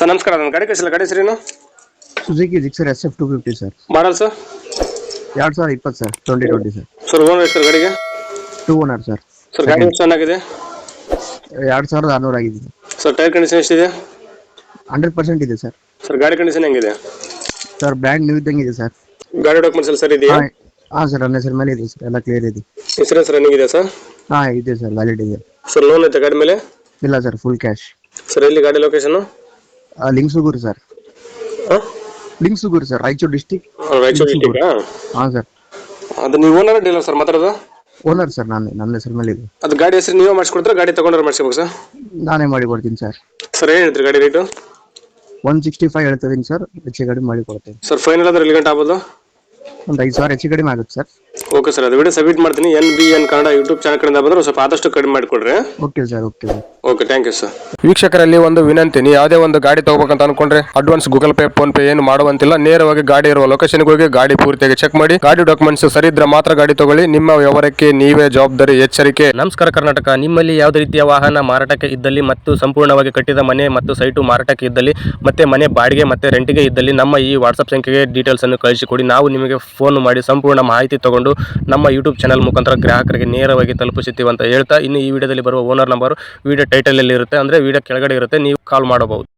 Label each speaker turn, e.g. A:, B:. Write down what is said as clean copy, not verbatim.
A: Sir ನಮಸ್ಕಾರ, ನನ್ನ ಗಾಡಿ ಕಳಿಸಿಲ್ಲ. ಗಾಡಿ ಹೆಸರೇನು?
B: Suzuki Gixxer SF 250 sir.
A: Model sir?
B: 2020 sir, 2020 sir.
A: Sir owner ಎಷ್ಟು ಗಾಡಿಗೆ?
B: 2 ಓನರ್ ಸರ್.
A: ಸರ್ ಗಾಡಿ ಎಷ್ಟು ಚೆನ್ನಾಗಿದೆ?
B: 2600 ಆಗಿದೆ
A: ಸರ್. ಟೈರ್ ಕಂಡೀಷನ್ ಎಷ್ಟಿದೆ?
B: 100% ಇದೆ ಸರ್.
A: ಸರ್ ಗಾಡಿ ಕಂಡೀಷನ್ ಹೆಂಗಿದೆ?
B: ಸರ್ ಬ್ರ್ಯಾಂಡ್ ನ್ಯೂ ಇದ್ದಂಗೆ ಇದೆ ಸರ್.
A: ಗಾಡಿ ಡಾಕ್ಯುಮೆಂಟ್ಸ್ ಎಲ್ಲ ಸರ್ ಇದೆಯಾ?
B: ಹಾಂ ಸರ್, ನನ್ನ ಹೆಸರು ಮೇಲೆ ಇದೆ ಸರ್, ಎಲ್ಲ ಕ್ಲಿಯರ್ ಇದೆ.
A: ಇನ್ಸೂರೆನ್ಸ್ ರನ್ನಿಂಗ್ ಇದೆ ಸರ್?
B: ಹಾಂ ಇದೆ ಸರ್, ವ್ಯಾಲಿಡ್ ಇದೆ.
A: ಸರ್ ಲೋನ್ ಐತೆ ಗಾಡಿ ಮೇಲೆ?
B: ಇಲ್ಲ ಸರ್, ಫುಲ್ ಕ್ಯಾಶ್.
A: ಸರ್ ಎಲ್ಲಿ ಗಾಡಿ location?
B: Lingsugur sir. Lingsugur sir, Raichur district.
A: Raichur district.
B: ಹಾಂ ಸರ್.
A: ಅದು ನೀವು ಓನರ್ ಡೀಲರ್ ಸರ್ ಮಾತಾಡೋದು?
B: ಓನರ್ ಸರ್, ನನ್ನ ಹೆಸರು ಮೇಲೆ ಇದೆ.
A: ಅದು ಗಾಡಿ ಹೆಸರು ನೀವೇ ಮಾಡಿಸ್ಕೊಡ್ತಾರೆ, ಗಾಡಿ ತಗೊಂಡ್ರೆ ಮಾಡಿಸ್ಬೇಕು ಸರ್?
B: ನಾನೇ ಮಾಡಿ ಕೊಡ್ತೀನಿ ಸರ್.
A: ಸರ್ ಏನು ಹೇಳ್ತೀರಿ ಗಾಡಿ ರೇಟು?
B: 165 ಹೇಳ್ತಿದ್ದೀನಿ ಸರ್, ಹೆಚ್ಚು ಕಡಿಮೆ ಮಾಡಿ ಕೊಡ್ತೀನಿ.
A: ಸರ್ ಫೈನಲ್ ಅಂದ್ರೆ ಎಲ್ಲಿ ಗಂಟೆ ಆಗ್ಬೋದು?
B: ಒಂದು 5,000 ಹೆಚ್ಚು ಕಡಿಮೆ ಆಗುತ್ತೆ ಸರ್.
A: ಓಕೆ ಸರ್, ಅದು ವಿಡಿಯೋ ಸಬ್ಮಿಟ್ ಮಾಡ್ತೀನಿ. NBN ಕನ್ನಡ ಯೂಟ್ಯೂಬ್ ಚಾನಲ್ ಕಡೆಯಿಂದ ಬಂದ್ರೆ ಸ್ವಲ್ಪ ಆದಷ್ಟು ಕಡಿಮೆ ಮಾಡಿಕೊಡ್ರಿ.
B: Okay sir, okay sir.
A: Okay, thank you sir. ವೀಕ್ಷಕರಲ್ಲಿ ಒಂದು ವಿನಂತಿ, ನೀವು ಯಾವುದೇ ಒಂದು ಗಾಡಿ ತಗೋಬೇಕಂತ ಅನ್ಕೊಂಡ್ರೆ advance Google Pay PhonePe ಏನು ಮಾಡುವಂತಿಲ್ಲ. ನೇರವಾಗಿ ಗಾಡಿ ಇರುವ ಲೊಕೇಶನ್ಗೆ ಹೋಗಿ ಗಾಡಿ ಪೂರ್ತಿಯಾಗಿ ಚೆಕ್ ಮಾಡಿ, ಗಾಡಿ ಡಾಕ್ಯುಮೆಂಟ್ಸ್ ಸರಿ ಇದ್ರೆ ಮಾತ್ರ ಗಾಡಿ ತಗೊಳ್ಳಿ. ನಿಮ್ಮ ವ್ಯವಹಾರಕ್ಕೆ ನೀವೇ ಜವಾಬ್ದಾರಿ. ಎಚ್ಚರಿಕೆ.
C: ನಮಸ್ಕಾರ ಕರ್ನಾಟಕ. ನಿಮ್ಮಲ್ಲಿ ಯಾವುದೇ ರೀತಿಯ ವಾಹನ ಮಾರಾಟಕ್ಕೆ ಇದ್ದಲ್ಲಿ ಮತ್ತು ಸಂಪೂರ್ಣವಾಗಿ ಕಟ್ಟಿದ ಮನೆ ಮತ್ತು ಸೈಟು ಮಾರಾಟಕ್ಕೆ ಇದ್ದಲ್ಲಿ ಮತ್ತೆ ಮನೆ ಬಾಡಿಗೆ ಮತ್ತೆ ರೆಂಟಿಗೆ ಇದ್ದಲ್ಲಿ ನಮ್ಮ ಈ ವಾಟ್ಸ್ಆಪ್ ಸಂಖ್ಯೆಗೆ ಡೀಟೇಲ್ಸ್ ಅನ್ನು ಕಳಿಸಿಕೊಡಿ. ನಾವು ನಿಮಗೆ ಫೋನ್ ಮಾಡಿ ಸಂಪೂರ್ಣ ಮಾಹಿತಿ ತಗೊಂಡು ನಮ್ಮ ಯೂಟ್ಯೂಬ್ ಚಾನಲ್ ಮುಖಾಂತರ ಗ್ರಾಹಕರಿಗೆ ನೇರವಾಗಿ ತಲುಪಿಸುತ್ತೀವಿ ಅಂತ ಹೇಳ್ತಾ, ಇನ್ನು ಈ ವಿಡಿಯೋದಲ್ಲಿ ಬರುವ ಓನರ್ ನಂಬರ್ ವಿಡಿಯೋ ಟೈಟಲ್ ಅಲ್ಲಿ ಇರುತ್ತೆ, ಅಂದ್ರೆ ವಿಡಿಯೋ ಕೆಳಗಡೆ ಇರುತ್ತೆ, ನೀವು ಕಾಲ್ ಮಾಡಬಹುದು.